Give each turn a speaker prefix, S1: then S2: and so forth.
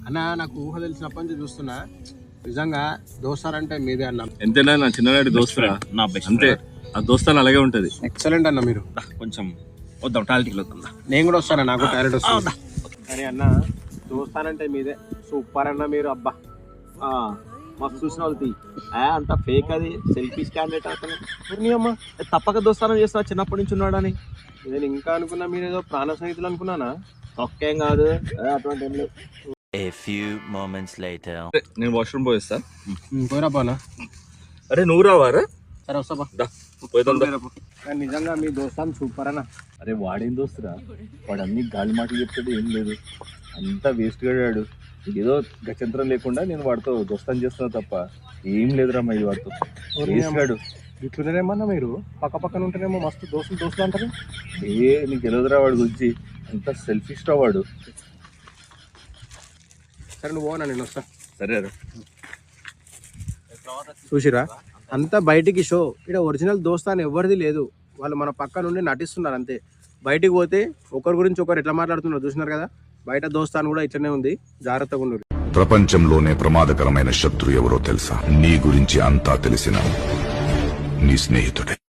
S1: అన్న నాకు ఊహ తెలిసినప్పటి నుంచి చూస్తున్నా నిజంగా దోస్తారంటే మీదే అన్న.
S2: ఎంతైనా నా చిన్ననాటి దోస్తురా,
S3: నా బెస్ట్
S2: అంతే. ఆ దోస్తాలు అలాగే ఉంటది.
S1: ఎక్సలెంట్ అన్న మీరు.
S3: కొంచెం వద్దాం టాయిలెట్కి వద్దాం.
S1: నేను కూడా వస్తాను, నాకు టాయిలెట్ వస్తుంది. కానీ అన్న దోస్తానంటే మీదే సూపర్ అన్న మీరు. అబ్బా
S3: మస్తు చూసిన వాళ్ళు అంత ఫేక్, అది సెల్ఫీ క్యాండిడేట్ అతను. పూర్ణియమ్మ తప్పక దోస్తానం చేస్తా చిన్నప్పటి నుంచి ఉన్నాడని.
S1: నేను ఇంకా అనుకున్నా మీరు ఏదో ప్రాణ స్నేహితులు అనుకున్నానా.
S3: ఒక్కేం కాదు అటువంటి ఏం లేవు.
S4: A few moments later.
S2: నేను వాష్రూమ్ పోయిస్తా.
S1: పోయిరా పోనా.
S2: అరే నువ్వు రావారా?
S1: సరే వస్తా
S2: పోయిద్దాం.
S1: కానీ నిజంగా మీ దోస్తాను సూపర్ అన్న.
S2: అరే వాడేం దోస్తురా, వాడు అన్ని గాలి మాటలు చెప్తాడు, ఏం లేదు, అంతా వేస్ట్ గాడాడు. ఏదో గచంతరం లేకుండా నేను వాడితో దోస్తాను చేస్తున్నా తప్ప ఏం లేదురా మా ఇది వాడితో. వేస్ట్ గాడు.
S1: ఇట్లున్నారేమన్నా మీరు పక్క పక్కన ఉంటేనేమో మస్తు దోస్తులు అంటారు.
S2: నీకు తెలియదురా వాడి గురించి, అంత సెల్ఫిష్ రా వాడు.
S1: సరే నువ్వు పోనా, నేను వస్తా.
S2: సరే రా.
S1: చూసిరా అంతా బయటికి షో. ఇక్కడ ఒరిజినల్ దోస్తాను ఎవరిది లేదు, వాళ్ళు మన పక్క నుండి నటిస్తున్నారు అంతే. బయటికి పోతే ఒకరి గురించి ఒకరు ఎట్లా మాట్లాడుతున్నారు చూసినారు కదా. బయట దోస్తాను కూడా ఇట్లనే ఉంది, జాగ్రత్తగా ఉండు.
S5: ప్రపంచంలోనే ప్రమాదకరమైన శత్రు ఎవరో తెలుసా? నీ గురించి అంతా తెలిసిన నీ స్నేహితుడే.